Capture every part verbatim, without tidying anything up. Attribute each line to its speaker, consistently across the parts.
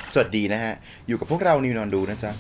Speaker 1: สวัสดีนะฮะอยู่กับพวกเรานิวนอนดูนะจ๊ะ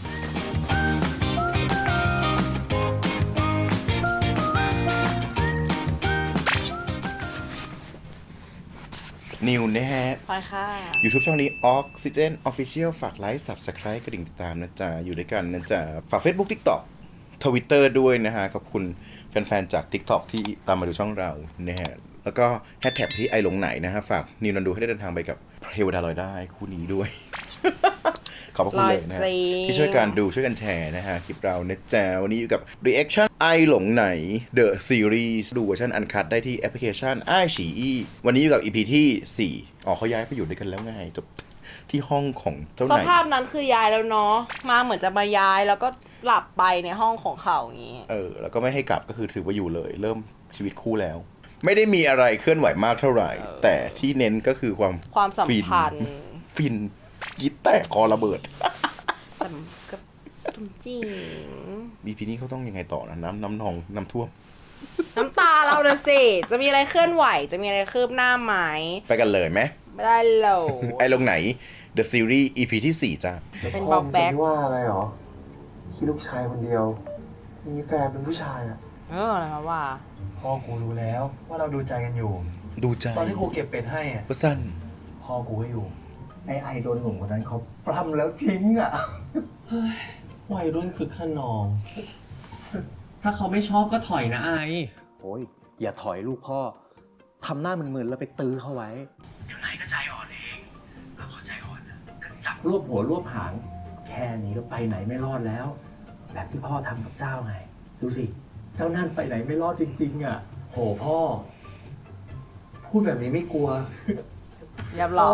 Speaker 1: นิวนะฮะ
Speaker 2: ไปค่ะ
Speaker 1: YouTube ช่องนี้ Oxygen Official ฝากไลค์ Subscribe กระดิ่งติดตามนะจ๊ะอยู่ด้วยกันนะจ๊ะฝาก Facebook TikTok Twitter ด้วยนะฮะขอบคุณแฟนๆจาก TikTok ที่ตามมาดูช่องเรานะฮะแล้วก็แฮชแท็กที่ไอหลงไหนนะฮะฝากนิวนอนดูให้ได้เดินทางไปกับเทวดาลอยได้คู่นี้ด้วย ขอบคุณเลยนะฮะที่ช่วยกันดูช่วยกันแชร์นะฮะคลิปเรานะจ๊ะวันนี้อยู่กับ Reaction ไอหลงไหน The Series ดูเวอร์ชันอันคัทได้ที่แอปพลิเคชันไอฉีอีวันนี้อยู่กับ อี พี ที่สี่อ๋อเขาย้ายไปอยู่ด้วยกันแล้วไงจบที่ห้องของเจ้า
Speaker 2: ส
Speaker 1: ไหน
Speaker 2: ภาพนั้นคือย้ายแล้วเนาะมาเหมือนจะมาย้ายแล้วก็หลับไปในห้องของเขาอย่างนี้
Speaker 1: เออแล้วก็ไม่ให้กลับก็คือถือว่าอยู่เลย เริ่มชีวิตคู่แล้ว ไม่ได้มีอะไรเคลื่อนไหวมากเท่าไหร่ แต่ที่เน้นก็คือความ
Speaker 2: ความสัมพันธ์
Speaker 1: ฟินยิดแตกคอระเบิด
Speaker 2: แต่ก็จริง
Speaker 1: บีพีนี้เขาต้องยังไงต่อนะน้ำน้ำนองน้ำท่วม
Speaker 2: น้ำตาเราเด้อสิจะมีอะไรเคลื่อนไหวจะมีอะไรคืบหน้าไหม
Speaker 1: ไปกันเลยไหม
Speaker 2: ไม่ได้โหล
Speaker 1: ไอ้ลงไหน The Series อี พี ที่สี่จ้า
Speaker 2: เป็นบ็อกแบ็ค
Speaker 3: พ่อมึงจะว่าอะไรหรอคิดลูกชายคนเดียว มีแฟนเป็นผู้ชายอ่ะ
Speaker 2: เออนะคะว่า
Speaker 3: พ่อกูรู้แล้วว่าเราดูใจกันอยู่
Speaker 1: ดูใจ
Speaker 3: ตอนที่กูเก็บเป็ดให้อ่ะ
Speaker 1: ก็สั้น
Speaker 3: พ่อกูก็อยู่ไอไอโดนหนุ่มคนนั้นเขาปล้ำแล้วทิ้งอ่ะ
Speaker 4: วัยรุ่นคือขนอง ถ้าเขาไม่ชอบก็ถอยนะไอ
Speaker 5: โอ้ยอย่าถอยลูกพ่อ ทำหน้ามึนๆแล้วไปตื้อเขาไว้ เดี๋ยวนายก็ใจอ่อนเองเราขอใจอ่อนนะก็จับรวบหัวรวบหาง แค่นี้ก็ไปไหนไม่รอดแล้ว แบบที่พ่อทำกับเจ้าไง ดูสิ เจ้านั่นไปไหนไม่รอดจริงๆอ่ะ
Speaker 3: โหพ่อ พูดแบบนี้ไม่กลัว
Speaker 2: เรียบร้อย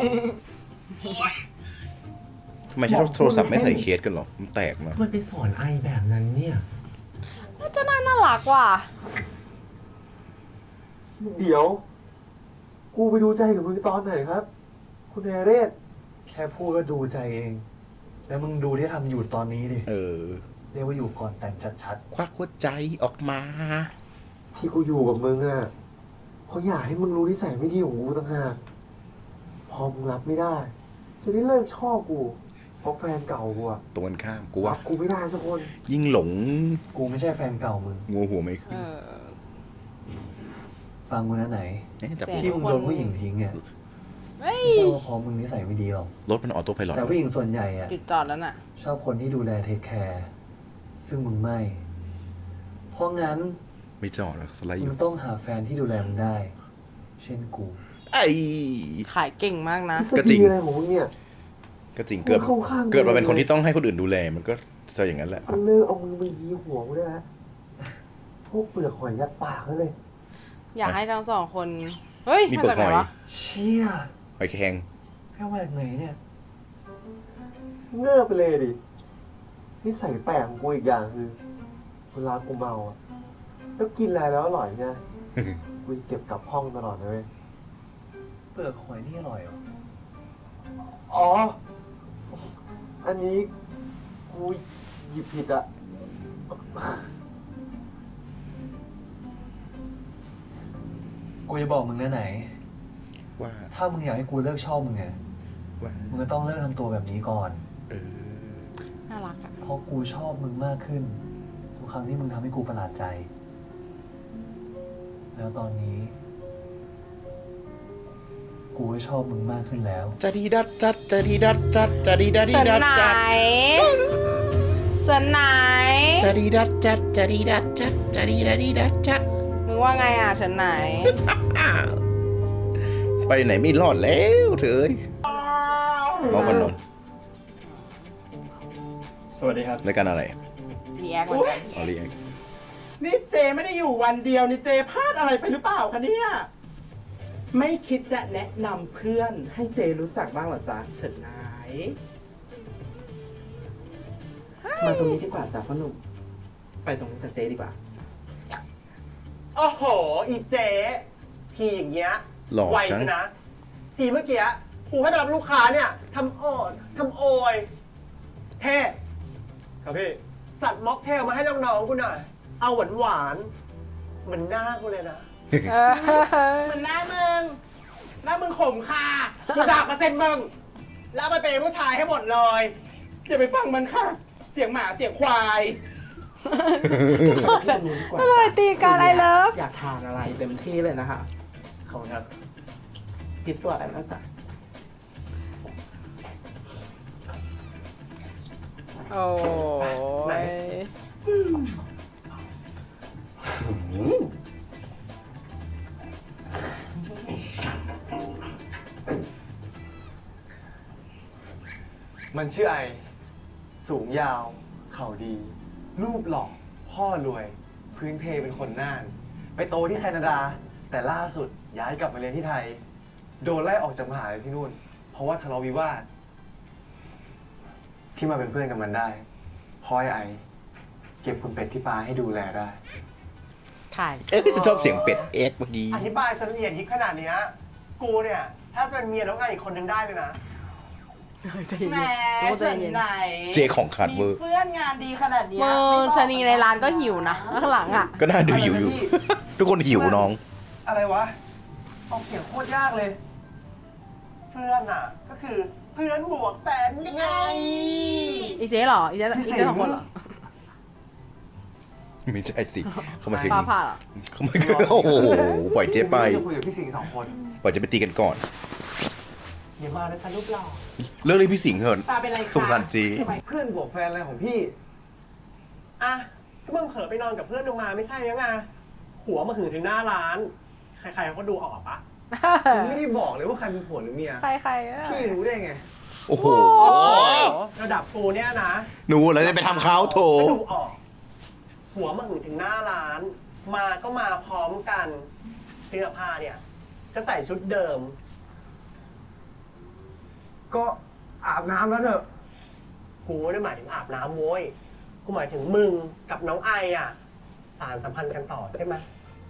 Speaker 1: ทำไมใช้โทรศัพท์ไม่ใส่เคสกันหรอ มันแตกมา
Speaker 4: มันไปสอนไอแบบนั้นเนี่ย
Speaker 2: เจ้าน่าน่ารักว่ะ
Speaker 3: เดี๋ยว กูไปดูใจกับมึงตอนไหนครับ คุณเอเรศแค่พูดก็ดูใจเอง แล้วมึงดูที่ทำอยู่ตอนนี้ดิ
Speaker 1: เออ
Speaker 3: เรียกว่าอยู่ก่อนแต่งชัด
Speaker 1: ควักหัวใจออกมา
Speaker 3: ๆ ที่กูอยู่กับมึงอ่ะเขาอยากให้มึงรู้นิสัยไม่ดีของกูต่างหากพอมึงรับไม่ได้ จะได้เลิกชอบกู เพราะแฟนเก่ากูอะ
Speaker 1: ตรงกันข้ามกู
Speaker 3: รั
Speaker 1: ว่า
Speaker 3: บกูไม่ได้สักคน
Speaker 1: ยิ่งหลง
Speaker 3: กูไม่ใช่แฟนเก่ามึง
Speaker 1: งัวหัวไม่ขึ้
Speaker 2: เอน อ
Speaker 3: ฟังมึงนะไหน
Speaker 1: เอ๊ะแต่
Speaker 2: เสีย
Speaker 3: ที่มึงโดนผู้หญิงทิ้งเนี่ย
Speaker 2: เฮ้ย
Speaker 3: ไม่ใช่ว่าเพราะมึงนิสัยไม่ดีหรอก
Speaker 1: รถมันออโต้ไพลอต
Speaker 3: แต่ผู้หญิงส่วนใหญ่อะ
Speaker 2: จุดจอดแล้วน่ะ
Speaker 3: ชอบคนที่ดูแลเทคแคร์ซึ่งมึงไม่ เพราะงั้น
Speaker 1: ไม่จอดแล้วสไลด์อ
Speaker 3: มึ
Speaker 1: ยู่
Speaker 3: งต้องหาแฟนที่ดูแลมึงได้ เช่นกู
Speaker 1: ไอ้
Speaker 2: ขายเก่งมากนะ
Speaker 1: ก็จริง
Speaker 3: สติอะไรของมึงเนี่ย
Speaker 1: ก็จริงเกิด
Speaker 3: มึงเข้าข้าง
Speaker 1: เกิดมาเป็นคนที่ต้องให้คนอื่นดูแล มันก็จะอย่างนั้นแหละ
Speaker 3: มันเลิกเอามือมายีหัวกูได้แล้วพวกเปลือกหอยยัดปากแล้วเลย
Speaker 2: อยากให้ทั้งสองคน เฮ้ย
Speaker 1: มี
Speaker 2: มา
Speaker 1: เปลือ
Speaker 2: จาก
Speaker 1: ก
Speaker 2: ไห
Speaker 1: หอย
Speaker 2: นวะ
Speaker 3: เชี่ย
Speaker 1: หอยแครง
Speaker 3: แค่ว่าจากไหนเนี่ยเงือบไปเลยดินิสัยแปลกของกูอีกอย่างคือเวลากูเมาอ่ะแล้วกินอะไรแล้วอร่อยเนี่ย กูเก็บกลับห้องตลอดเลยเว้ยเปลือกหอยนี่อร่อยเหรอ อ๋อ อันนี้กูหยิบผิดอะกูจะบอกมึงนะไหน
Speaker 1: ว่า
Speaker 3: ถ้ามึงอยากให้กูเลิกชอบมึงไง
Speaker 1: ว่า
Speaker 3: มึงก็ต้องเลิกทำตัวแบบนี้ก่อน
Speaker 1: เออ
Speaker 2: น่ารักอ่ะ
Speaker 3: เพราะกูชอบมึงมากขึ้น ทุกครั้งที่มึงทำให้กูประหลาดใจ แล้วตอนนี้ กูก็ชอบมึงมากขึ้นแล้ว
Speaker 1: จะดีดัดจัดจะดีดัดจัดจะดีดัดดี
Speaker 2: เฉิน
Speaker 1: ดัด
Speaker 2: ไหน
Speaker 1: จัด
Speaker 2: เฉินไหน
Speaker 1: จะดีดัดจัดจะดีดัดจัดจะดีดัดดีดัดจัด
Speaker 2: มึงว่าไงอ่ะเฉินไหน
Speaker 1: ไปไหนไม่รอดแล้วเถอะมองกันนน
Speaker 4: สวัสดีครับ
Speaker 1: รายการอะไร
Speaker 2: รีแอคเหมือนกัน
Speaker 1: ออเรียก
Speaker 6: นี่เจไม่ได้อยู่วันเดียวนี่เจพลาดอะไรไปหรือเปล่าคะเนี่ย ไม่คิดจะแนะนำเพื่อนให้เจรู้จักบ้างเหรอจ๊ะเฉินนายมาตรงนี้ดีกว่าจ้ะพ่อหนุ่ม ไปตรงนี้กับเจดีกว่า
Speaker 7: โอ้โห อีเจ๊ทีอย่างเงี้ย
Speaker 1: หล่อ
Speaker 7: ไว
Speaker 1: จัง
Speaker 7: ชนะ ทีเมื่อกี้กูให้ไปรับลูกค้าเนี่ยทำอ่อนทำโอย เท่ครับพี่จัดม็อกเทลมาให้น้องๆกูหน่อย เอาหวานหวานๆเหมือนหน้ากูเลยนะ
Speaker 2: เออ
Speaker 6: มันหน้ามึง หน้ามึงขมค่ะกูด่าเปอร์เซ็นต์มึง
Speaker 7: แล้วไปเป็นผู้ชายให้หมดเลย
Speaker 6: อย่าไปฟังมันค่ะ เสียงหมาเสียงควาย
Speaker 2: อะไรตีกันไอเลิฟ
Speaker 6: อยากทานอะไรเต็มที่เลยนะคะขอบคุณครับคิดตัวอะไรนะจ๊ะ
Speaker 2: โอ้ย
Speaker 3: มันชื่อไอ สูงยาว เข่าดี รูปหล่อ พ่อรวย พื้นเพเป็นคนน่าน ไปโตที่แคนาดา แต่ล่าสุดย้ายกลับมาเรียนที่ไทย โดนไล่ออกจากมหาลัยที่นู่น เพราะว่าทะเลาะวิวาท ที่มาเป็นเพื่อนกับมันได้เพราะไอ้ไอ เก็บคุณเป็ดที่ปาให้ดูแลได้
Speaker 2: ถ่าย
Speaker 1: เอ๊ะจะชอบเสียงเป็ดเอ็กซ์เมื่อกี้
Speaker 7: อธิบายจนละเอียดยิบขนาดเนี้ยกูเนี่ย ถ้าจะเป็นเมียน้องไออีกคนนึงได้เลยนะ
Speaker 2: ใจเย็น
Speaker 6: แหม
Speaker 2: ๆรู้ใจ
Speaker 6: ฉัน
Speaker 2: เย็น
Speaker 6: ไหน
Speaker 1: เจของขาดเวอ
Speaker 6: มี
Speaker 1: ร์
Speaker 6: เพื่อนงานดีขนาดเนี้ย
Speaker 2: มือ
Speaker 6: ไม่บก
Speaker 2: ชะนีในร้านก็หิวนะข้างหลังอ่ะ
Speaker 1: ก็น่าดูหิวอยู่ ทุกคนหิวน้อง
Speaker 7: อะไรวะ ออกเสียงโคตรยากเลย เพื่อนอ่ะ ก็คือเพื่อนบวกแฟนไง
Speaker 2: อีเจ๊เหรอ อีเจ๊อีเจ๊สองคนเหรอ
Speaker 1: ไม่ใช่สิ เขามาถึง
Speaker 2: ฟ้าผ่าเหรอ
Speaker 1: เขามาโอ้โห ปล่อยเจ๊ไป
Speaker 3: จะคุยกับพี่สิงห์สองคน
Speaker 1: ปล่อยเจ๊ไปตีกันก่อน
Speaker 7: อย่ามานะจ๊ะรูปหล่อ
Speaker 1: เลิกเลยพี่สิงห์เถอะ
Speaker 6: ตาเป็นไรคะ
Speaker 1: สงสารเจ๊
Speaker 6: ทำไม
Speaker 3: เพื่อนบวกแฟนอะไรของพี่
Speaker 7: อ่ะก็มึงเผลอไปนอนกับเพื่อนมึงมาไม่ใช่ยังไงหัวมาหึงถึงหน้าร้าน ใครๆเขาก็ดูออกปะ
Speaker 3: ผมไม่ได้บอกเลยว่าใครเป็นผัวหรือเมีย
Speaker 2: ใครใครๆอะ
Speaker 3: พี่รู้ได้ไง
Speaker 1: โอ้โห
Speaker 7: ระดับกูเนี่ยนะ
Speaker 1: หนูแล้วจะไปทำเขาโถ
Speaker 7: ก็ดูออก หัวมาหึงถึงหน้าร้าน มาก็มาพร้อมกัน เสื้อผ้าเนี่ย ก็ใส่ชุดเดิม
Speaker 3: ก็อาบน้ำแล้วเถอะ
Speaker 7: กูไม่ได้หมายถึงอาบน้ำโว้ย กูหมายถึงมึงกับน้องไออ่ะ สารสัมพันธ์กันต่อใช่ไหม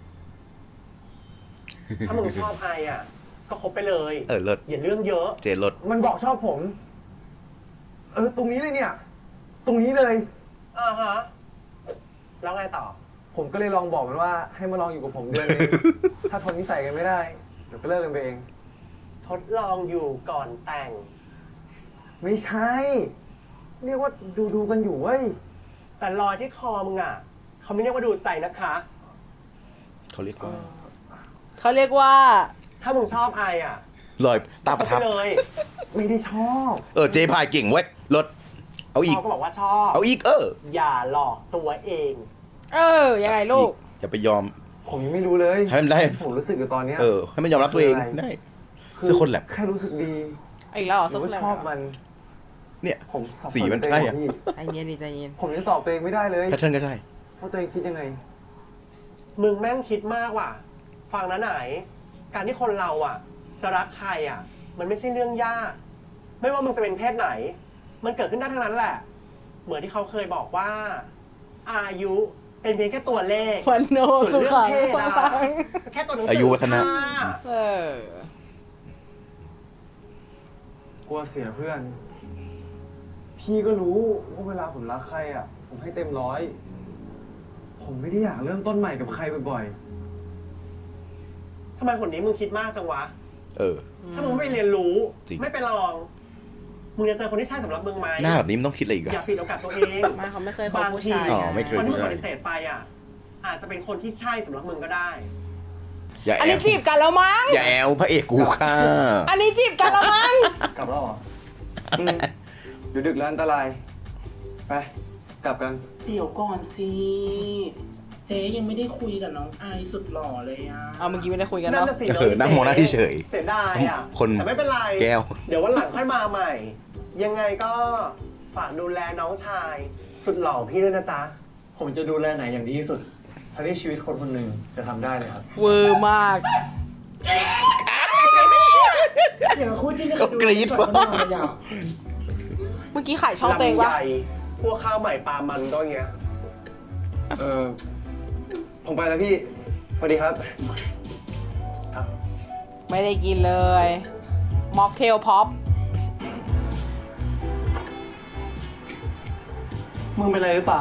Speaker 7: ถ้ามึงชอบไออ่ะ ก็คบไปเลย
Speaker 1: เออเลิศ
Speaker 7: อย่าเรื่องเยอะ
Speaker 1: เจลด
Speaker 3: มันบอกชอบผม เออ ตรงนี้เลยเนี่ย ตรงนี้เลย
Speaker 7: อ่าฮะ แล้วไงต่อ
Speaker 3: ผมก็เลยลองบอกมันว่าให้มาลองอยู่กับผมเดือนนึง ถ้าทนนิสัยกันไม่ได้ เดี๋ยวก็เลิกกันไปเอง
Speaker 7: ทดลองอยู่ก่อนแต่ง
Speaker 3: ไม่ใช่ เรียกว่าดูดูๆกันอยู่เว้ย
Speaker 7: แต่รอยที่คอมึงอ่ะ เขาไม่เรียกว่าดูใจนะคะ
Speaker 1: เขาเรียกว่า
Speaker 2: เขาเรียกว่า
Speaker 7: ถ้ามึงชอบไออ่ะ
Speaker 1: รอยตาประทับ
Speaker 7: ก็ไปเลย
Speaker 3: ไม่ได้ชอบ
Speaker 1: เออ เจ๊พายเก่งเว้ยลด เอาอีก
Speaker 7: เขาก็บอกว่าชอบ
Speaker 1: เอาอีก เออ
Speaker 7: อย่าหลอกตัวเอง
Speaker 2: เออ ยังไงลูก
Speaker 1: อย่าไปยอม
Speaker 3: ผมยังไม่รู้เลย
Speaker 1: ให้มันได้
Speaker 3: ผมรู้สึกอยู่ตอนเนี้ย
Speaker 1: เออ ให้มันยอมรับตัวเอง
Speaker 3: คืออะไร
Speaker 1: ได้ เสื้อคนแหลม
Speaker 3: แค่รู้สึกดี
Speaker 2: อีกแล้วเหรอ
Speaker 3: ห
Speaker 2: ซุ
Speaker 3: รื
Speaker 2: ป
Speaker 3: อว่า
Speaker 2: เลย
Speaker 3: ชอบมัน
Speaker 1: เนี่ย
Speaker 3: ผมสับ
Speaker 1: สีมัน
Speaker 3: ตัว
Speaker 1: ใช่
Speaker 3: เอง
Speaker 1: อะ
Speaker 3: พี่
Speaker 2: ใจเย็นดิใจเย็น
Speaker 3: ผมยังตอบตัวเองไม่ได้เลย
Speaker 1: แพทเทิร์นก็ใช่
Speaker 3: ว่าตัวเองคิดยังไง
Speaker 7: มึงแม่งคิดมากว่ะ ฟังนะไหน การที่คนเราอ่ะ จะรักใครอ่ะ มันไม่ใช่เรื่องยาก ไม่ว่ามึงจะเป็นเพศไหน มันเกิดขึ้นได้ทั้งนั้นแหละ เหมือนที่เขาเคยบอกว่า อายุเป็นเพียงแค่ตัวเลข
Speaker 2: วันโน
Speaker 7: ส่
Speaker 2: สุ
Speaker 7: วนเรื่
Speaker 2: ขั
Speaker 7: อง
Speaker 2: ง
Speaker 7: เพศ
Speaker 2: ฟั
Speaker 7: อะ
Speaker 2: ง
Speaker 7: แค่ตัวหนังสื
Speaker 1: อายุวัฒนะ
Speaker 7: ค่
Speaker 2: เออ
Speaker 3: กลัวเสียเพื่อน พี่ก็รู้ว่าเวลาผมรักใครอ่ะ ผมให้เต็มร้อย ผมไม่ได้อยากเริ่มต้นใหม่กับใครบ่อย
Speaker 7: ทำไมคนนี้มึงคิดมากจังวะ
Speaker 1: เออ
Speaker 7: ถ้ามึงไม่เรียนรู้
Speaker 1: จริง
Speaker 7: ไม่ไปลอง มึงจะเจอคนที่ใช่สำหรับมึงไหม
Speaker 1: หน้าแบบนี้มันต้องคิดอะไรอีก
Speaker 7: อย่า
Speaker 1: อะ
Speaker 7: ปิดโอกาสตัวเอง
Speaker 2: ไมาเขาไม่เคยคบบ
Speaker 7: าง
Speaker 2: ผู้
Speaker 7: ที
Speaker 2: ชาย
Speaker 1: อ๋อไม่เคย
Speaker 7: คนที่มึงปฏิเสธไปอ่ะ อาจจะเป็นคนที่ใช่สำหรับมึงก็ได้
Speaker 1: อย่า
Speaker 2: อัน
Speaker 1: แอ
Speaker 2: นี้
Speaker 1: ล
Speaker 2: จีบกันแล้วมั้ง
Speaker 1: อย่าแอลพระเอกกูค่ะ
Speaker 2: อันนี้จีบกันแล้วมั้ง
Speaker 3: ๆ กลับแล้วเหรออืมเดี๋ยวดึกแล้วอันตราย ไป กลับกัน
Speaker 6: เดี๋ยวก่อนสิ เจ๊ยังไม่ได้คุยกับน้องไอสุดหล่อเลยอ่ะ
Speaker 2: เอาเมื่อกี้ไม่ได้คุยกัน
Speaker 7: นั่น
Speaker 2: เนาะ
Speaker 7: น่ะสิ
Speaker 1: เออนั่งมองหน้าเฉย
Speaker 7: เสียดายอ่ะ
Speaker 1: คน
Speaker 7: แต่ไม่เป็นไร
Speaker 1: แก้ว
Speaker 7: เดี๋ยววันหลังค่อยมาใหม่ ยังไงก็ฝากดูแลน้องชาย สุดหล่อพี่ด้วยนะจ๊ะ
Speaker 3: ผมจะดูแลไหนอย่างดีที่สุดถ้าที่ชีวิตคนคนหนึ่งจะทำได้เลยครับ
Speaker 2: เวอร์มาก
Speaker 6: อย่างคู่จิ้น
Speaker 1: ก็กรี๊ด
Speaker 6: ก่อนเขาหน่อยอ่ะ
Speaker 2: เมื่อกี้ขายช่องเตง
Speaker 7: ลำ
Speaker 2: วะ
Speaker 7: ไยพวกข้าวใหม่ปลามันก็อย่างเงี้ย
Speaker 3: เออ ผมไปแล้วพี่ สวัสดีครับ
Speaker 2: ไม่ได้กินเลยม็อกเทลพ็อป
Speaker 3: มึงเป็นอะไรหรือเปล่า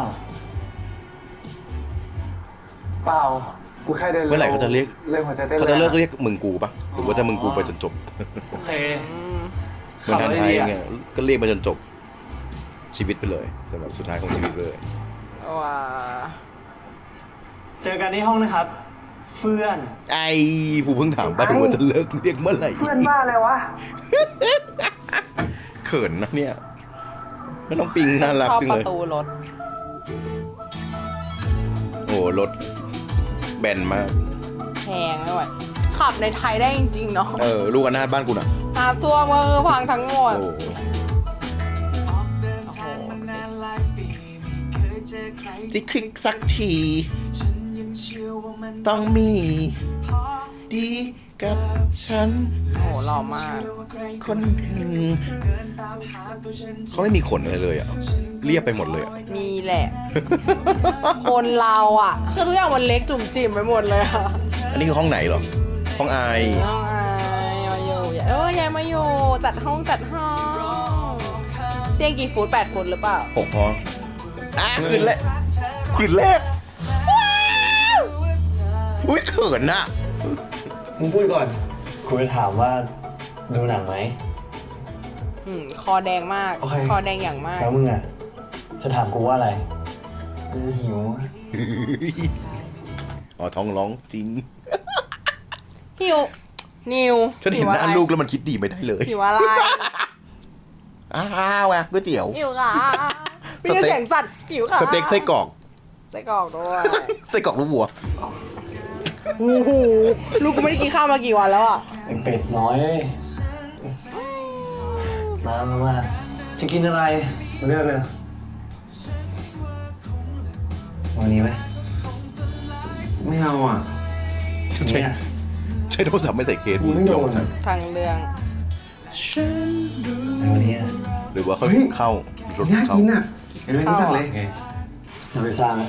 Speaker 3: เปล่า กูแค่เดิน
Speaker 1: เมื่อไหร่เขาจะเรียก
Speaker 3: เรื่องหัวใจเต้น
Speaker 1: เขาจะเลิก
Speaker 3: แรง
Speaker 1: เรียกมึงกูปะหรือว่าจะมึงกูไปจนจบ
Speaker 3: โอเค
Speaker 2: อืม
Speaker 1: เหมือนทันไทยเงี้ยก็เรียกมาจนจบชีวิตไปเลยสำหรับสุดท้ายของชีวิตเลย
Speaker 2: ว้า
Speaker 4: เจอกันที่ห้องนะครับ เฟื่อน
Speaker 1: ไอ้ผู้เพิ่งถามไปว่าจะเลิกเรียกเมื่อไหร่
Speaker 7: เพื่อนบ้าอะไรวะ
Speaker 1: เขินนะเนี่ยแล้วน้องปิงน่ารัก
Speaker 2: ชอบ
Speaker 1: จัง
Speaker 2: ป
Speaker 1: เลย
Speaker 2: ระตูรถ
Speaker 1: โอ้รถแบนมาก
Speaker 2: แพงไม่ไหวขับในไทยได้จริงๆเนาะ
Speaker 1: เออลูกอนาถบ้านกูน่ะ
Speaker 2: น้ำท่วมก็คือพังทั้งหมด
Speaker 1: โอ้
Speaker 2: โอ้โห
Speaker 1: ที่คลิกสักที ต้องมีดีกับฉัน
Speaker 2: โอ้โหหล่อมาก
Speaker 1: คนหนึ่งเขาไม่มีขนอะไรเลยอ่ะ เรียบไปหมดเลยอ่ะ
Speaker 2: มีแหละ คนเราอ่ะคือทุกอย่างมันเล็กจุ่มจิ๋มไปหมดเลยอ่ะ
Speaker 1: อันนี้คือห้องไหนเหรอ ห้องไอ
Speaker 2: น้องอายมาอยู่เออยายมาอยู่จัดห้องจัดห้องเตียงกี่ฟุตแปดฟุตหรือเปล่า
Speaker 1: หกพออ่ะคืนแรกคืนแรกอุ้ยเขินน่ะ
Speaker 5: มึงพูดก่อนกูจะถามว่าดูหนังไหม
Speaker 2: อืมคอแดงมาก
Speaker 5: โอเค
Speaker 2: คอแดงอย่างมาก
Speaker 5: แล้วมึงอ่ะ จะถามกูว่าอะไร กูหิว
Speaker 1: อ๋อท้องร้องจริง
Speaker 2: หิวนิว
Speaker 1: ฉันเห็นหน้าลูกแล้วมันคิดดีไม่ได้เลย
Speaker 2: หิวอะไร
Speaker 1: อ้าวอ่ะก๋วยเตี๋ยว
Speaker 2: หิวค่ะ
Speaker 1: ส
Speaker 2: มี
Speaker 1: เต็ก
Speaker 2: เสียงสัตว์หิวค่ะ
Speaker 1: สเต็กไส้กรอก
Speaker 2: ไส้กรอกด้วย
Speaker 1: ไส้กรอกลูกวัว
Speaker 2: โอ้โหลูกกูไม่ได้กินข้าวมากี่วันแล้วอ่ะ
Speaker 5: ไอ้เป็ดน้อยเอ้ยมามามาจะกินอะไรมาเลือกเลยวันนี้ไหม
Speaker 6: ไม่เอาอ่ะ
Speaker 1: ใช่
Speaker 5: เนี่ย
Speaker 1: ใช้โทรศัพท์ไม่ใส่เคส
Speaker 6: กูไม่โดน
Speaker 1: ใช่
Speaker 2: ทางเรื่อง
Speaker 5: ในวันนี้อะ
Speaker 1: หรือว่าเขา
Speaker 6: เฮ้ย
Speaker 1: เข้าหรือรถ
Speaker 6: น่า
Speaker 1: เข้า
Speaker 6: กินอ่ะ เออ นี่สั่งเลย
Speaker 5: โอเคเอาไปสร้างไหม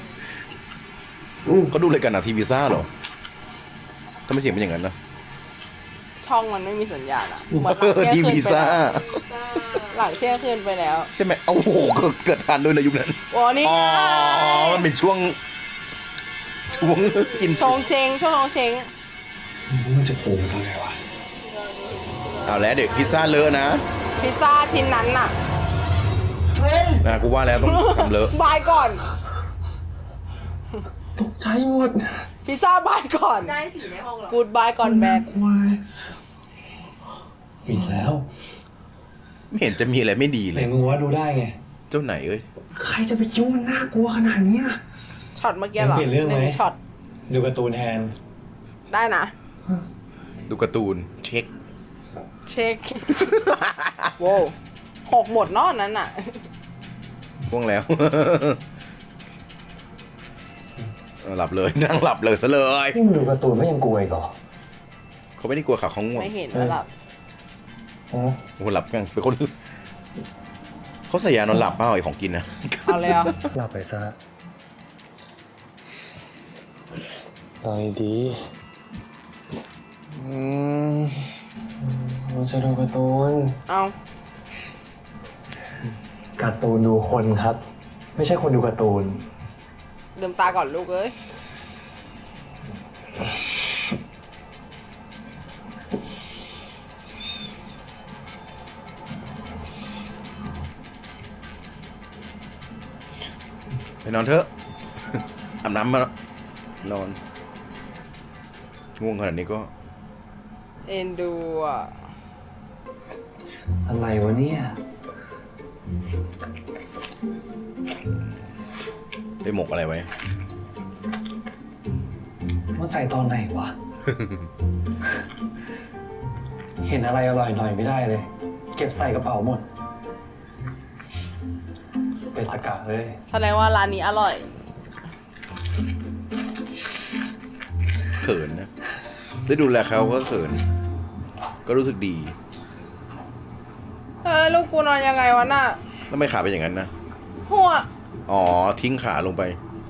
Speaker 1: เขาดูรายการหนังทีวีซ่าเหรอทำไมเสียงเป็นอย่างนั้นนะ
Speaker 2: ช่องมันไม่มีสัญญาณอ่ะเหมือน
Speaker 1: เออ
Speaker 2: หลัง
Speaker 1: ที
Speaker 2: เที่ยง
Speaker 1: วี
Speaker 2: คืนไป
Speaker 1: ซ่า
Speaker 2: แล้วหลังเที่ยงคืนไปแล้ว
Speaker 1: ใช่ไหมโอ้โหเกิดทันด้วยในะยุคนั้น
Speaker 2: โอ้นี่
Speaker 1: อ๋อ
Speaker 2: ไง
Speaker 1: มันเป็นช่วง ช่วงอิน
Speaker 2: ชงเชงช่วงชงเชง
Speaker 5: มันจะโผล่มาตอนไหนวะ
Speaker 1: เอาแล้วเด็กพิซซ่าเลอะนะ
Speaker 2: พิซซ่าชิ้นนั้นน่ะ
Speaker 1: นะกูว่าแล้วต้องทำเลอะ
Speaker 2: บายก่อน
Speaker 6: ตกใจหมด
Speaker 2: พิซซ่าบายก่อนได้ผีในห้องหรอกูดบายก่อนแบก
Speaker 6: กลัวเลย
Speaker 5: ปิดแล้ว
Speaker 1: ไม่เห็นจะมีอะไรไม่ดีเล
Speaker 5: ไหน
Speaker 1: ย
Speaker 5: มึงว่าดูได้ไง
Speaker 1: เจ้าไหนเอ้ย
Speaker 6: ใครจะไปคิดว่ามันน่ากลัวขนาดเนี้ย
Speaker 2: ช็อตเมื่อกี้เหรอ
Speaker 5: เปลี่ยนเรื่องไหม
Speaker 2: นึ่ช็อต
Speaker 5: ดูการ์ตูนแทน
Speaker 2: ได้นะ
Speaker 1: ดูการ์ตูนเช็ค
Speaker 2: เช็ค โว้วหกหมดเนอกนั้นน่ะ
Speaker 1: พ่วงแล้ว หลับเลย นั่งหลับเลยซะเลย
Speaker 5: นี่มึงดูการ์ตูนไม่ยังกลัวอีกเหรอ
Speaker 1: เขาไม่ได้กลัวขาเขาง่วง
Speaker 2: ไม่เห็นแล้วหลับ
Speaker 5: อืม
Speaker 1: โอ้โหหลับกันเป็นคนเขาใส่ยานอนหลับเปล่าไอ้ของกินนะ
Speaker 2: เอาเลยอ่ะ
Speaker 5: หลับไปซะนอนดีอืมมันจะดูการ์ตูน
Speaker 2: เอา
Speaker 5: การ์ตูนดูคนครับ ไม่ใช่คนดูการ์ตูน
Speaker 2: ลืมตาก่อนลูกเอ้ย
Speaker 1: ไปนอนเถอะ อาบน้ำมานอน ง่วงขนาดนี้ก็
Speaker 2: เอ็นดูอ่ะ
Speaker 5: อะไรวะเนี่ย
Speaker 1: ไปหมกอะไรไว้
Speaker 5: มันใส่ตอนไหนวะ เห็นอะไรอร่อยหน่อยไม่ได้เลย เก็บใส่กระเป๋าหมด เป็นตะกะเลย
Speaker 2: แสดงว่าร้านนี้อร่อย
Speaker 1: เขินนะ ได้ดูแลเขาก็เขิน ก็รู้สึกดี
Speaker 2: เออลูกกูนอนยังไงวะน่ะ
Speaker 1: แล้วไม่ขาเป็นอย่างนั้นนะ
Speaker 2: หัว
Speaker 1: อ๋อ ทิ้งขาลงไป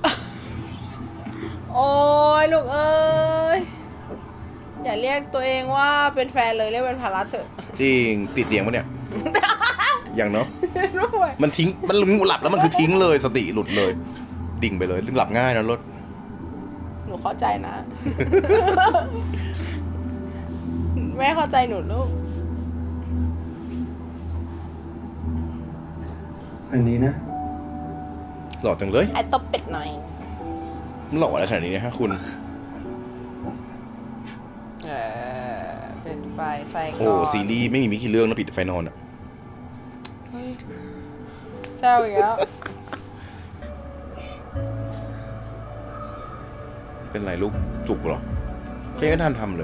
Speaker 2: โอ้ยลูกเอ้ย อย่าเรียกตัวเองว่าเป็นแฟนเลยเรียกเป็นภาระเถอะ
Speaker 1: จริง ติดเตียงปะเนี่ย อย่างเนาะ
Speaker 2: ด้วย
Speaker 1: มันทิ้ง มันหลับแล้วมันคือทิ้งเลย สติหลุดเลย ดิ่งไปเลยหลับง่ายนะรถ
Speaker 2: หนูเข้าใจนะ แม่เข้าใจหนูลูก
Speaker 3: อันนี้นะ
Speaker 1: หล่อจังเลย
Speaker 2: ไอ้ตบเป็ดหน่อย
Speaker 1: มันหล่ออะไรขนาดนี้เนะฮะคุณ
Speaker 2: เออเป็นไฟใส่ก่อน
Speaker 1: โอ้ซีรีส์ไม่มีมิกี่เรื่องนะปิดไฟนอนอ่ะ
Speaker 2: เฮ้ยแซวอีกแล้ว
Speaker 1: เป็นไรลูกจุกเหรอแค่ก็ทันทำเลย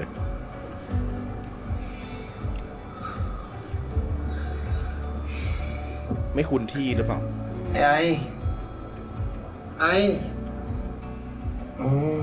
Speaker 1: ไม่คุ้นที่หรือเปล่า
Speaker 3: ไอ้ไอ้อืม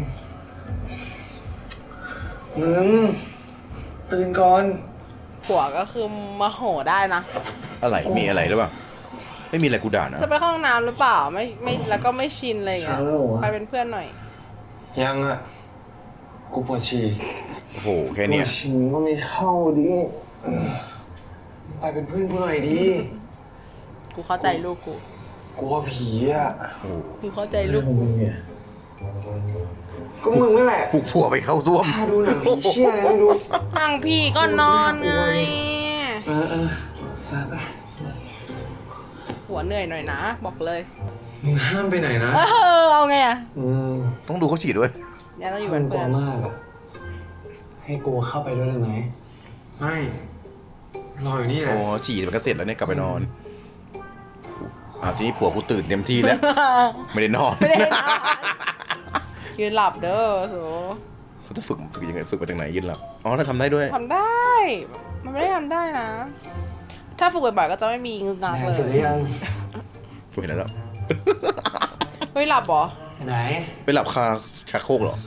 Speaker 3: มึง ตื่นก่อน
Speaker 2: ผัวก็คือมาโหได้นะ
Speaker 1: อะไรมีอะไรหรือเปล่า ไม่มีอะไรกูด่านะ
Speaker 2: จะไปเข้าห้องน้ำหรือเปล่า ไม่ไม่แล้วก็ไม่ชินอะไรอย่างเงี้ย
Speaker 3: เช้าแล้วเหรอวะ
Speaker 2: ไปเป็นเพื่อนหน่อย
Speaker 3: ยังอ่ะ กูปวดฉี่
Speaker 1: โอ้โหแค่เนี้ย
Speaker 3: ปวดฉี่ก็ไม่เข้าดิไปเป็นเพื่อนกูหน่อยดิ
Speaker 2: กูเข้าใจลูกกู
Speaker 3: กลัวผีอ่ะ
Speaker 1: โอ้โห
Speaker 2: กูเข้าใจลูก
Speaker 3: มึงเนี่ย ก็มึงนั่นแหละ
Speaker 1: ปลุกผัวไปเข้าร่วม
Speaker 3: ถ้าดูหนังผีเชี่ยอะไรไม่รู้
Speaker 2: ทางพี่ก็นอนไง
Speaker 3: เออเออไปไป
Speaker 2: หัวเหนื่อยหน่อยนะ บอกเลย
Speaker 3: มึงห้ามไปไหนนะ
Speaker 2: เออเอาไงอะ
Speaker 3: อืม
Speaker 1: ต้องดูเขาฉีดด้วย
Speaker 2: ยังต้องอยู่
Speaker 3: มั
Speaker 2: เป็น น
Speaker 3: กลั
Speaker 2: เพื่
Speaker 3: ว
Speaker 2: อน
Speaker 3: มากอะให้กูเข้าไปด้วยได้ไหม ไม่ รออยู่นี่แหละ
Speaker 1: อ๋อฉีดมันก็เสร็จแล้วเนี่ยกลับไปนอนอ่าทีนี้ผัวกูตื่นเต็มที่แล้ว ไม่ได้นอน
Speaker 2: ไม่ได้นอน ยืนหลับเด้อสู
Speaker 1: เขาจะฝึกฝึกยังไงฝึกมาจากไหนยืนหลับอ๋อถ้าทำได้ด้วย
Speaker 2: ทำได้ มันไม่ได้ทำได้นะ ถ้าฝึกบ่อยๆก็จะไม่มีงึกงัก
Speaker 3: แด
Speaker 2: เล
Speaker 3: ง
Speaker 2: ย
Speaker 3: เสร็จหรือยัง
Speaker 1: ฝึกแล้ว
Speaker 2: เฮ้ยหลับเหรอ
Speaker 3: ไปไหน
Speaker 1: ไปหลับคาชักโครกเหรอ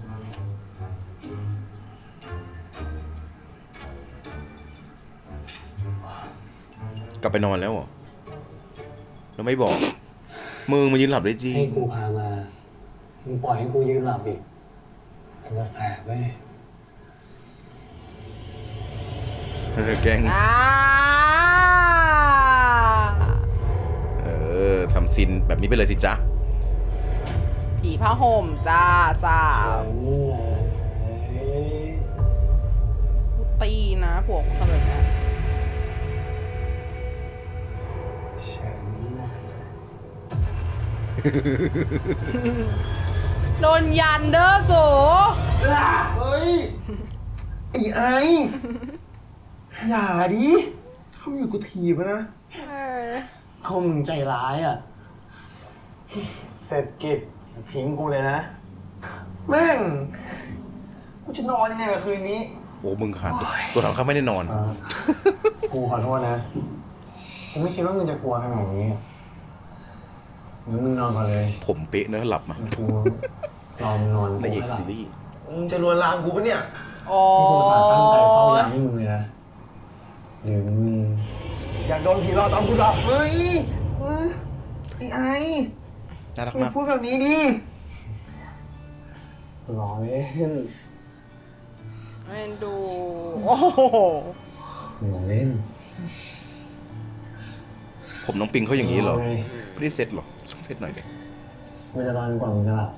Speaker 1: กลับไปนอนแล้วเหรอแล้วไม่บอก มึงมายืนหลับได้จริง
Speaker 3: ให้กูพามา มึงปล่อยให้กูยืนหลับอีกมันจะแสบเว้ย
Speaker 1: เออแกล้ง
Speaker 2: อ่า
Speaker 1: เออทำซินแบบนี้ไปเลยสิจ๊ะ
Speaker 2: ผีผ้าห่มจ้าสาว ตีนะผัวกูทำแบบนี้
Speaker 3: ฉัน
Speaker 2: โดนยันเด้อสู
Speaker 3: เฮ้ย ไอ้ไอ้ อย่าดิเขาอยู่กูถีบนะ
Speaker 2: เออ
Speaker 3: เขามึงใจร้ายอ่ะ เสร็จกิจทิ้งกูเลยนะ แม่ง กูจะนอนยังไงกับคืนนี้
Speaker 1: โอ้มึงขาดตัวถามข้าไม่ได้นอน
Speaker 3: กูขอโทษนะ กูไม่คิดว่ามึงจะกลัวขนาดนี้งั้นมึงนอนก่อนเลย
Speaker 1: ผมเป๊ะเนอะหลับมา
Speaker 3: กูรอมึงนอน
Speaker 1: ในเอก
Speaker 3: กูให้หลับ
Speaker 1: ซีรีส์
Speaker 3: มึงจะลวนลามกูปะเนี่ย
Speaker 2: โอ้
Speaker 3: กูอุตสาห์ตั้งใจเฝ้ายามให้มึงเลยนะหรือมึงอยากโดนผีหลอกตอนกูหลับเฮ้ยเอ้ยไอ้ไอ้
Speaker 1: น่ารัก
Speaker 3: มึง
Speaker 1: มาก
Speaker 3: พูดแบบนี้ดิรอเล่น
Speaker 2: เล่นดู โอ้โห
Speaker 3: รอเล่น
Speaker 1: ผมน้องปิงเขาอย่างนี้เหรอ
Speaker 3: ไง
Speaker 1: ไม่ได้เซ็ตหรอต้องเซ็ตหน่อยเลย
Speaker 3: กูจะรอจนกว่ามึงจะหลับ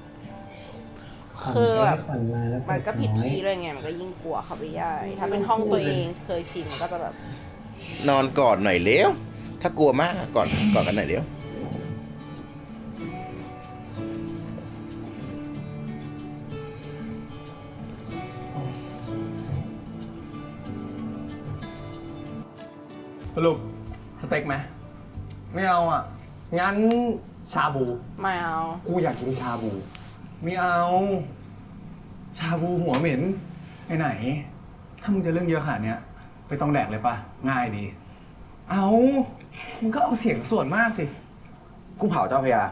Speaker 2: คือแบบ
Speaker 3: ฝันร้ายแล้ว
Speaker 2: มันก็ผิด
Speaker 3: น้อย
Speaker 2: ที่ด้วยไง มันก็ยิ่งกลัวเข้าไปใหญ่ถ้าเป็นห้องตัวเองเคยชินมันก็จะแบบ
Speaker 1: นอนกอดหน่อยเร็ว ถ้ากลัวมากกอดกอดกันหน่อยเร็ว
Speaker 7: สรุปสเต็กไหมไม่เอาอ่ะ งั้นชาบู
Speaker 2: ไม่เอา
Speaker 7: กูอยากกินชาบู ไม่เอา ชาบูหัวเหม็นไปไหน ถ้ามึงจะเรื่องเยอะขนาดเนี้ยไปต้องแดกเลยปะง่ายดี เอามึงก็เอาเสียงส่วนมากสิ กูเผาเจ้าพระยา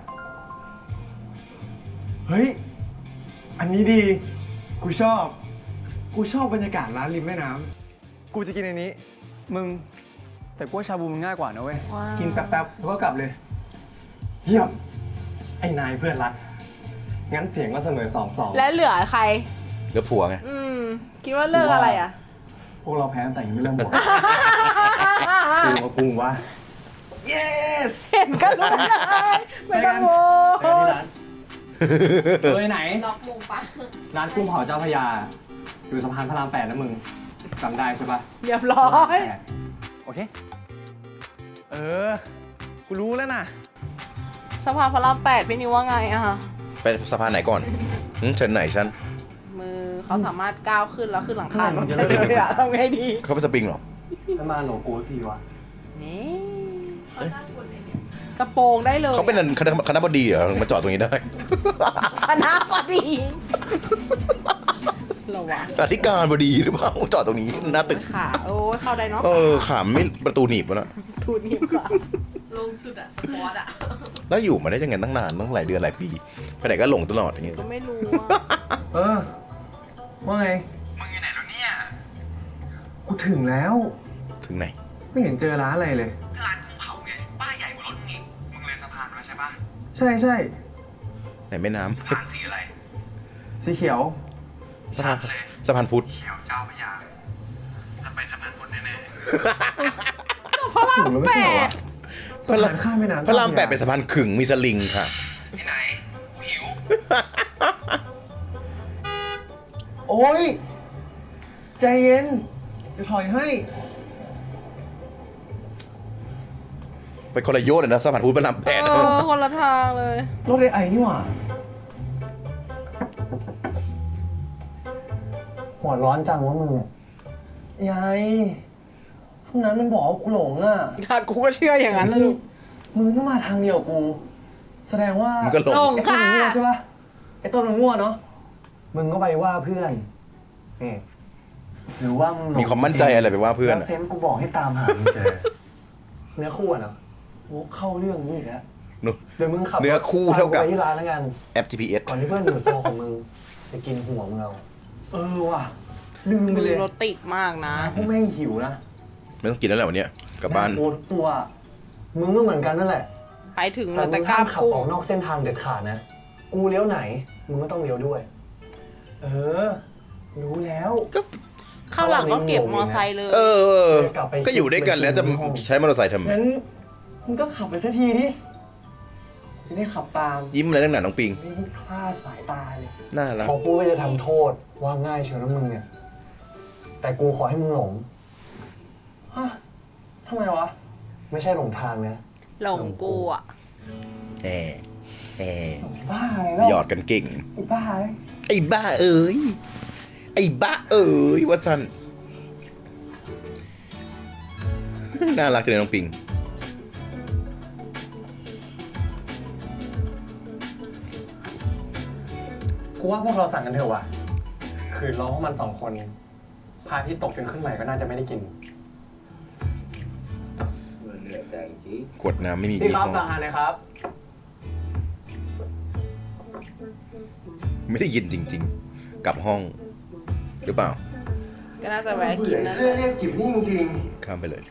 Speaker 7: เฮ้ย อันนี้ดี กูชอบ กูชอบบรรยากาศร้านริมแม่น้ำ กูจะกินอันนี้ มึง แต่กูว่าชาบูมันง่ายกว่านะเว้ย
Speaker 2: ว้าว
Speaker 7: กินแป๊บๆแล้วก็กลับเลย เยี่ยม ไอ้นายเพื่อนรัก งั้นเสียงก็เสมอสองสอง
Speaker 2: และเหลือใคร
Speaker 1: เดี๋ยวผัวไง
Speaker 2: อืม คิดว่าเลิกอะไรอ่ะ
Speaker 7: พวกเราแพ้ตั้งแต่ยังไม่เริ่มหมด กูมาปรุงว่า yes
Speaker 2: เห็นกันรู้เลยไม่ต้องโว
Speaker 7: เจอกันที่ร้านเฮ้ยไหน
Speaker 2: ล็อกมุมปะ
Speaker 7: ร้านกุ้งเผาเจ้าพระยา อยู่สะพานพระรามแปดนะมึงจำได้ใช่ปะ
Speaker 2: เรียบร้อย
Speaker 7: โอเค เออ กู
Speaker 5: กูรู้แล้วนะ
Speaker 2: สะพานพระรามแปดพี่นิวว่าไงอะคะ
Speaker 1: ไปสะพานไหนก่อนหึเชิญไหนฉัน
Speaker 2: มือเขาสามารถก้าวขึ้นแล้วขึ้นหลังคารถได้เลยอะทำไงดี
Speaker 1: เขาเป็นสปริงเหรอ
Speaker 3: แล้วมาหลงกูพี่วะ
Speaker 2: นี่กระโปรงได้เลย
Speaker 1: เขาเป็นคณะคณะบดีเหรอถึงมาจอดตรงนี้ได้
Speaker 2: คณะบดีเหรอวะ
Speaker 1: อธิการบดีหรือเปล่าจอดตรงนี้หน้าตึก
Speaker 2: ขาโอ้ยเข้าได้เนาะ
Speaker 1: เออขามไม่ประตูหนีบวะนะ
Speaker 2: ทูนี่ค่ะ
Speaker 8: ลงสุดอะสปอร์ตอะ
Speaker 1: แล้วอยู่มาได้ยังไงตั้งนานตั้งหลายเดือนหลายปีไปไหนก็หลงตลอดอย่างเงี้ย
Speaker 2: ก็ไม่รู้อะ
Speaker 3: เออ ว่าไง
Speaker 5: มึงอยู่ไหนแล้วเนี่ย
Speaker 3: กูถึงแล้ว
Speaker 1: ถึงไหน
Speaker 3: ไม่เห็นเจอร้านอะไรเลย
Speaker 5: ร้านกุ้งเผาไง ป้ายใหญ่กว่ารถมึงอีกมึงเลยสะพานมาใช่ปะ
Speaker 3: ใช่ใช่
Speaker 1: ไหนแม่น้
Speaker 5: สะพานสีอะไร
Speaker 3: สีเขียว
Speaker 1: ำสะพานสะพานพุทธ
Speaker 5: เขียวเจ้าพระยาถ้าไปสะพานพุทธแน่
Speaker 2: พระรามแปด
Speaker 3: สะพานข้ามแม่น้ำ
Speaker 1: พระรามแปดเป็นสะพานขึงมีสลิงค่ะ
Speaker 5: ๆที่ไหนกูหิว
Speaker 3: โอ้ย ใจเย็นเดี๋ยวถอยให้
Speaker 1: ไปคนละโยชน์เลยนะสะพานพุทธพระรามแปด
Speaker 2: เออคนละทางเลย
Speaker 3: รถไอไอนี่หว่า หัวร้อนจังวะมึงยายพวกนั้นมันบอกว่ากูหลงอ่ะ
Speaker 2: กูก็เชื่ออย่างนั้นลูก
Speaker 3: มึงก็มาทางเดียวกู แสดงว่า
Speaker 1: มันก็หลง
Speaker 2: หลง
Speaker 3: ไอ้ต้น
Speaker 2: ค่ะ
Speaker 3: มันมั่วใช่ปะไอ้ต้นมันมั่วเนาะ มึงก็ไปว่าเพื่อนนี่หรือว่ามึงหลง
Speaker 1: มีความมั่นใจอะไรไปว่าเพื่อน
Speaker 3: แล้ว
Speaker 1: อะ
Speaker 3: เซนส์กูบอกให้ตามหามึงเจอ เนื้อคู่อะเนาะโอ้เข้าเรื่องนี้อีกแล้ว
Speaker 1: เนอะ
Speaker 3: เดี๋ยวมึงขับ
Speaker 1: เนื้อคู่เท่ากับ
Speaker 3: ตมไปที่ร้านแล้วกัน
Speaker 1: แอป จี พี เอส
Speaker 3: ก่อนที่เพื่อนอยู่โซของมึงจะกินหัวมึงเอา เออว่ะ ลืมไป
Speaker 2: มื
Speaker 3: เล
Speaker 2: อย รถติดมากนะ
Speaker 3: พวกแม่งหิวนะ
Speaker 1: ไม่ต้องกินแล้วแหละวันเนี้ยกลับบ้าน
Speaker 3: โอ้ทุกตัว มึงก็เหมือนกันนั่นแหละ
Speaker 2: ไปถึง
Speaker 3: แต่
Speaker 2: แล้ว
Speaker 3: มึ
Speaker 2: แต่
Speaker 3: ง
Speaker 2: กล้า
Speaker 3: ห้ามขับ
Speaker 2: พุ่ง
Speaker 3: ออกนอกเส้นทางเด็ดขาดนะ กูเลี้ยวไหน มึงก็ต้องเลี้ยวด้วย เออ รู้แล้ว
Speaker 2: เข้าหลังก็เก็บมอไซค์เลย
Speaker 1: เออ
Speaker 3: กลับไป
Speaker 1: ก็อยู่ด้วยกันแล้วจะใช้มอเตอร์ไซค์ทำไม
Speaker 3: งั้นมึงก็ขับไปสักทีดิจะได้ขับตาม
Speaker 1: ยิ้มอะไรตั้งหนาน้องปิง
Speaker 3: ไม่ให้คลาดสายตาเลย
Speaker 1: น่ารัก
Speaker 3: พอกูก็จะทำโทษว่าง่ายเชียวนะมึงเนี่ย แต่กูขอให้มึงหลง ฮะทำไมวะ ไม่ใช่หลงทางนะ
Speaker 2: หลงกูอ่ะ
Speaker 1: แหมแหม
Speaker 3: บ้าอะไรแล้ว
Speaker 1: หยอดกันเก่ง
Speaker 3: ไอ้บ้าไอ้
Speaker 1: ไอ้บ้าเอ้ย ไอ้บ้าเอ้ยว่าสันน่ารักจังเลยน้องปิง
Speaker 3: กูว่าพวกเราสั่งกันเถอะว่ะ คือร้องมันสองคนพาที่ตกจนขึ้นใหม่ก็น่าจะไม่ได้กิน
Speaker 1: ขวดน้ำไม่มี
Speaker 3: พี่
Speaker 1: ยี่
Speaker 3: ครับ
Speaker 1: ห้อ
Speaker 3: สั่งอาหารเลยครับ
Speaker 1: ไม่ได้ยินจริง ๆ กลับห้อง หรือเปล่า
Speaker 2: ก็น่าจะแวะกินนะ
Speaker 3: เสื้อเรียกกิบนี่จริง
Speaker 1: ข้ามไปเลย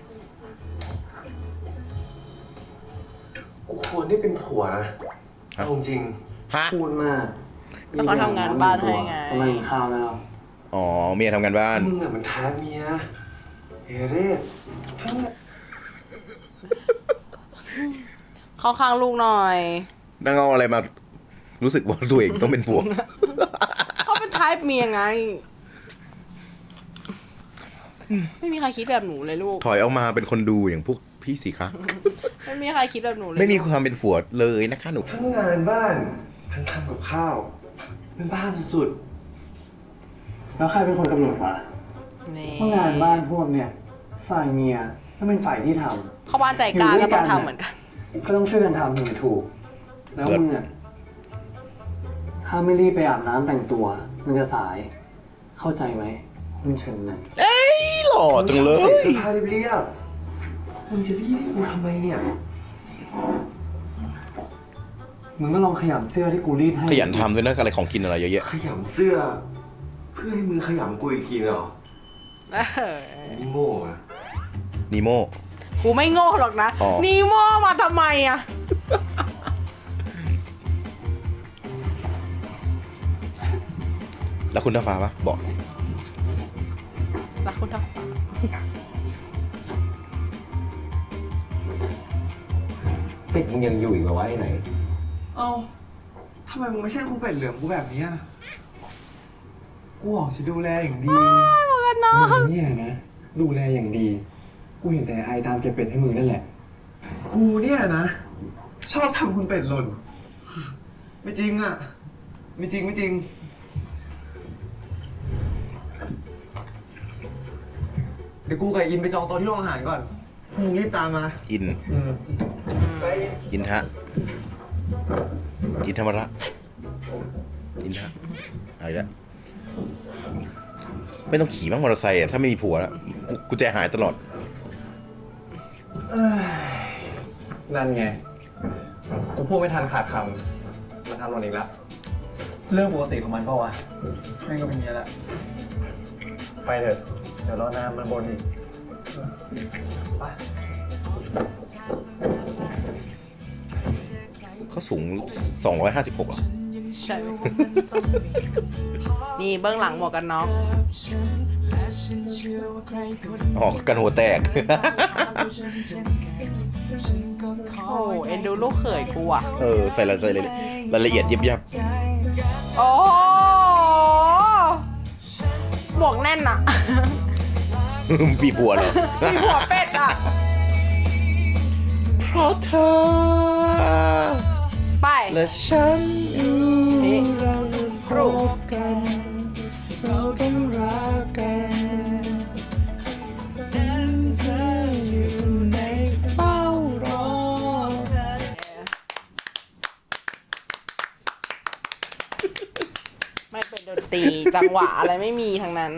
Speaker 3: ๆ กูควรได้เป็นผัวนะ
Speaker 1: ฮะ
Speaker 3: เอาจริง
Speaker 1: ฮะ
Speaker 3: พูดมาก
Speaker 2: แล้วเขาทำงานบ้านให้ไง
Speaker 3: ทำไมกินข้าวแล้ว
Speaker 1: อ๋อ เมียทำงานบ้าน
Speaker 3: มึงอะมันท้าเมียเฮเร่ทั้ง
Speaker 2: เข้าข้างลูกหน่อย
Speaker 1: นั่งเอาอะไรมา รู้สึกว่าตัวเองต้องเป็นผัว
Speaker 2: เขาเป็นไทป์เมียไง ไม่มีใครคิดแบบหนูเลยลูก
Speaker 1: ถอยออกมาเป็นคนดูอย่างพวกพี่สิคะ
Speaker 2: ไม่มีใครคิดแบบหนูเลย
Speaker 1: ไม่มีความเป็นผัวเลยนะคะหนู
Speaker 3: ทั้งงานบ้านทั้งทำกับข้าวเป็นบ้านสุดๆแล้วใครเป็นคนกำหนดวะ
Speaker 2: นี่
Speaker 3: ว่างานบ้านพวกเนี่ยฝ่ายเมียถ้าเป็นฝ่ายที่ทำ
Speaker 2: เข้าบ้านใจกลางก็ต้องทำเหมือนกัน
Speaker 3: ก็ต้องช่วยกันทำถึงจะถูก แล้วมึงอ่ะถ้าไม่รีบไปอาบน้ำแต่งตัว มันจะสาย เข้าใจไหมมึงเชิญไหน
Speaker 1: เอ้ยหล่อจังเลย
Speaker 3: เสื้อผ้าเรียบๆมึงจะรีบให้กูทำไมเนี่ย มึงก็ลองขยำเสื้อที่กูรีดให้
Speaker 1: ขยันทำด้วยนะอะไรของกินอะไรเยอะแยะ
Speaker 3: ขยำเสื้อ เพื่อให้มึงขยำกูอีกทีเหรอ
Speaker 2: เออ
Speaker 3: นี่โม่อะ
Speaker 1: นีโม
Speaker 2: กูไม่โง่หรอกนะ
Speaker 1: อ๋อ
Speaker 2: นีโมมาทำไมอะ
Speaker 1: แล้วคุณท้าฟ้าปะบอก
Speaker 2: รักคุณทักษะ
Speaker 5: เป็ดมึงยังอยู่อีกเหรอวะไอ้ไหน
Speaker 3: เอ้าทำไมมึงไม่ใช่กูเป็ดเหลืองกูแบบนี้อะกูบอกจะดูแลอย่างดี มึงเนี่ยนะ ดูแลอย่างดี กูเห็นแต่ไอตามเก็บเป็ดให้มึงนั่นแหละกูเนี่ยนะ ชอบทำคุณเป็ดหล่น ไม่จริงอ่ะ ไม่จริงไม่จริง เดี๋ยวกูกับอินไปจองโต๊ะที่โรงอาหารก่อนมึงรีบตามมา
Speaker 1: อิน
Speaker 3: อืมไป
Speaker 1: อินทะ อินธรรมระอินทะอะไรละไม่ต้องขี่บ้างมอเตอร์ไซค์อ่ะถ้าไม่มีผัวแล้วกุญแจหายตลอด
Speaker 3: เอ้ยนั่นไง กูพูดไม่ทันขาดคำมันทำหล่นอีกแล้ว เรื่องปกติของมันเปล่าวะแม่งก็เป็นอย่างนี้แหละ ไปเถอะ เดี๋ยวรอนานมันบนอีกไป
Speaker 1: เขาสูงสองร้อยห้าสิบหกอ่ะ
Speaker 2: ใช่ไหม นี่เบื้องหลังหมวกกันน็อก
Speaker 1: อ๋อ กันหัวแตก
Speaker 2: โอ้เอ็นดูลูกเขยกูอ่ะ
Speaker 1: เออ ใส่รายละเอียดรายละเอียดยิบยับ
Speaker 2: โอ้โหหมวกแน่นอะ
Speaker 1: ปีบัวเลย
Speaker 2: มีหัวเป็ดอะ
Speaker 1: เพราะเธอ
Speaker 2: ไป
Speaker 1: และฉัน
Speaker 2: นี่ครู
Speaker 1: เราต้องรักกันเธออยู่ในเฝ้ารอ
Speaker 2: ไม่เป็นดนตรีจังหวะอะไรไม่มีทั้งนั้น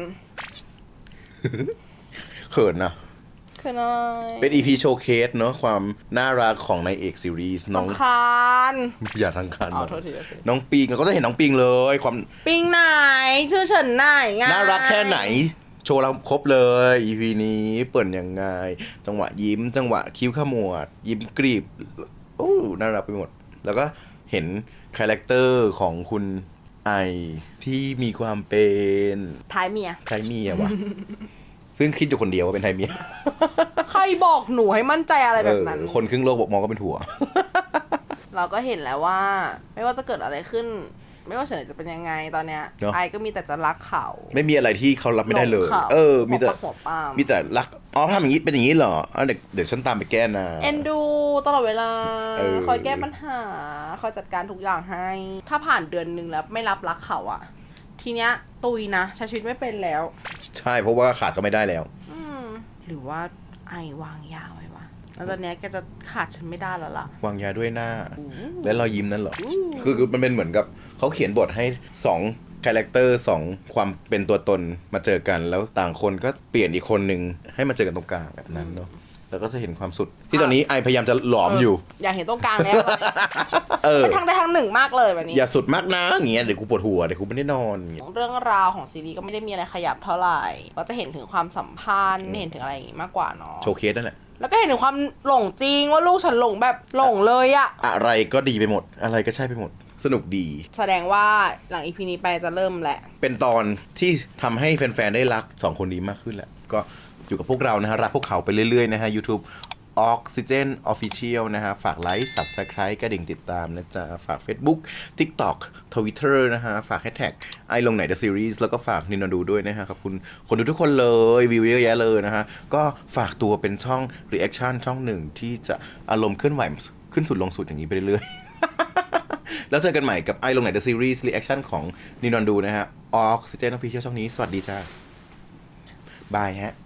Speaker 1: เขินนะ
Speaker 2: คือน้อย
Speaker 1: เป็น อี พี โชว์เคสเนอะความน่ารักของนายเอกซีรีส์น้อง
Speaker 2: คาน
Speaker 1: อย่าทางคัน
Speaker 2: อ๋อโทษทีโทษที
Speaker 1: น้องปิงเราก็จะเห็นน้องปิงเลย ความ
Speaker 2: ปิงไหน ชื่อเฉินไหนไง
Speaker 1: น่ารักแค่ไหน โชว์เราครบเลย อี พี นี้เปิดยังไง จังหวะยิ้ม จังหวะคิ้วขมวด ยิ้มกรีบโอ้น่ารักไปหมด แล้วก็เห็นคาแรคเตอร์ของคุณไอที่มีความเป็น
Speaker 2: ท้ายเมีย
Speaker 1: ไทยเมียวะ ซึ่งคิดอยู่คนเดียวว่าเป็นไทยเมีย
Speaker 2: ใครบอกหนูให้มั่นใจอะไรแบบนั้น
Speaker 1: เออคนครึ่งโลกบอกมองก็เป็นถั่ว
Speaker 2: เราก็เห็นแล้วว่า ไม่ว่าจะเกิดอะไรขึ้น ไม่ว่าเฉินไหนจะเป็นยังไงตอนเนี้ย
Speaker 1: เนอะ
Speaker 2: ไอก็มีแต่จะรักเขา
Speaker 1: ไม่มีอะไรที่เขารับไม่ได้เลย
Speaker 2: หลงขา
Speaker 1: เออ มีแต่
Speaker 2: หัวปักหัวปาม
Speaker 1: มีแต่รัก อ๋อทำอย่างนี้เป็นอย่างนี้เหรอเอาเดี๋ยวเดี๋ยวฉันตามไปแก้นะ
Speaker 2: เอ็นดูตลอดเวลา
Speaker 1: เออ
Speaker 2: คอยแก้ปัญหา คอยจัดการทุกอย่างให้ ถ้าผ่านเดือนหนึ่งแล้วไม่รับรักเขาอะทีเนี้ยตุยนะใช้ชีวิตไม่เป็นแล้ว
Speaker 1: ใช่เพราะว่าขาดก็ไม่ได้แล้ว
Speaker 2: อืมหรือว่าไอวางยาไว้วะแล้วตอนเนี้ยแกจะขาดฉันไม่ได้แล้วล่ะ
Speaker 1: วางยาด้วยหน้า
Speaker 2: อู้
Speaker 1: และรอยยิ้มนั่นเหรอ
Speaker 2: อู้
Speaker 1: คือคือมันเป็นเหมือนกับเขาเขียนบทให้สองคาแรคเตอร์สองความเป็นตัวตนมาเจอกัน แล้วต่างคนก็เปลี่ยนอีกคนหนึ่งให้มาเจอกันตรงกลางแบบนั้นเนาะแล้วก็จะเห็นความสุด ที่ตอนนี้ไอพยายามจะหลอมอยู่
Speaker 2: อยากเห็นตรงกลางแล้ว
Speaker 1: เออ
Speaker 2: เป็นทางใดทางหนึ่งมากเลยแบบนี้
Speaker 1: อย่าสุดมากนะอย่างเงี้ยเดี๋ยวกูปวดหัวเดี๋ยวกูไม่ได้นอนอย่างเงี้ย
Speaker 2: เรื่องราวของซีรีส์ก็ไม่ได้มีอะไรขยับเท่าไหร่ ก็จะเห็นถึงความสัมพันธ์เห็นถึงอะไรอย่างงี้มากกว่าเนาะ
Speaker 1: โชว์เคสนั่นแหละ
Speaker 2: แล้วก็เห็นถึงความหลงจริงว่าลูกฉันหลงแบบหลงเลยอะ
Speaker 1: อะไรก็ดีไปหมด อะไรก็ใช่ไปหมด สนุกดี
Speaker 2: แสดงว่าหลังอีพีนี้ไปจะเริ่มแหละ
Speaker 1: เป็นตอนที่ทำให้แฟนๆได้รักสองคนนี้มากขึ้นแหละ ก็อยู่กับพวกเรานะฮะรักพวกเขาไปเรื่อยๆนะฮะ YouTube Oxygen Official นะฮะฝากไลค์ Subscribe กระดิ่งติดตามนะจ๊ะฝาก Facebook TikTok Twitter นะฮะฝาก Hashtag ไอลงไหน The Series แล้วก็ฝากนินดูด้วยนะฮะขอบคุณคนดูทุกคนเลยวิวเยอะแยะเลยนะฮะก็ฝากตัวเป็นช่อง Reaction ช่องหนึ่งที่จะอารมณ์เคลื่อนไหวขึ้นสุดลงสุดอย่างนี้ไปเรื่อยๆ แล้วเจอกันใหม่กับไอลงไหน The Series Reaction ของนินดูนะฮะ Oxygen Official ช่องนี้สวัสดีจ้าบายฮะ